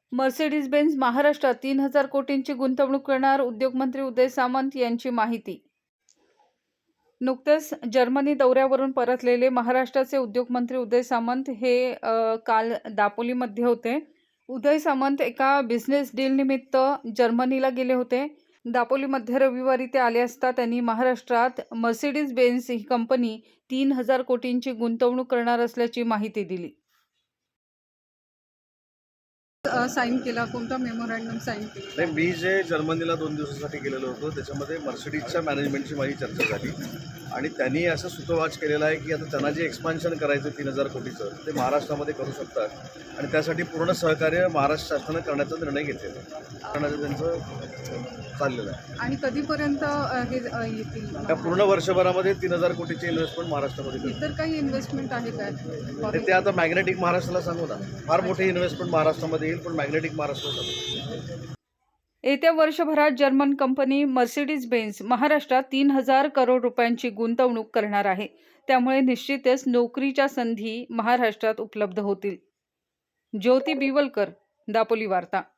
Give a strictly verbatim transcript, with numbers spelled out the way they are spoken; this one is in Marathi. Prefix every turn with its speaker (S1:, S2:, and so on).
S1: मर्सिडीज बेन्झ महाराष्ट्रात तीन हजार कोटींची गुंतवणूक करणार, उद्योगमंत्री उदय सामंत यांची माहिती. नुकतेच जर्मनी दौऱ्यावरून परतलेले महाराष्ट्राचे उद्योगमंत्री उदय सामंत हे अ, काल दापोलीमध्ये होते. उदय सामंत एका बिझनेस डील निमित्त जर्मनीला गेले होते. दापोलीमध्ये रविवारी ते आले असता त्यांनी महाराष्ट्रात मर्सिडीज बेन्झ ही कंपनी तीन हजार कोटींची गुंतवणूक करणार असल्याची माहिती दिली. साईन केला, कोणता मेमोरँडम साईन केला?
S2: नाही, मी जे जर्मनीला दोन दिवसासाठी गेलेलो होतो त्याच्यामध्ये मर्सिडीजच्या मॅनेजमेंटची माझी चर्चा झाली आणि त्यांनी असं सूतोवाच केलेला आहे की आता त्यांना जे एक्सपान्शन करायचं तीन हजार कोटीचं ते महाराष्ट्रामध्ये करू शकतात आणि त्यासाठी पूर्ण सहकार्य महाराष्ट्र शासनानं करण्याचा निर्णय घेतलेला आहे, करण्याचं त्यांचं चाललेलं आहे.
S1: आणि कधीपर्यंत अ, हे अ, येतील?
S2: त्या पूर्ण वर्षभरामध्ये तीन हजार कोटीची इन्व्हेस्टमेंट महाराष्ट्रामध्ये करतात.
S1: इतर काही इन्व्हेस्टमेंट आहे का?
S2: ते ते आता मॅग्नेटिक महाराष्ट्राला सांगू ना, फार मोठी इन्व्हेस्टमेंट महाराष्ट्रामध्ये येईल पण मॅग्नेटिक महाराष्ट्रात.
S1: येत्या वर्षभरात जर्मन कंपनी मर्सिडीज बेन्झ महाराष्ट्रात तीन हजार करोड रुपयांची गुंतवणूक करणार आहे. त्यामुळे निश्चितच नोकरीच्या संधी महाराष्ट्रात उपलब्ध होतील. ज्योती बिवलकर, दापोली वार्ता.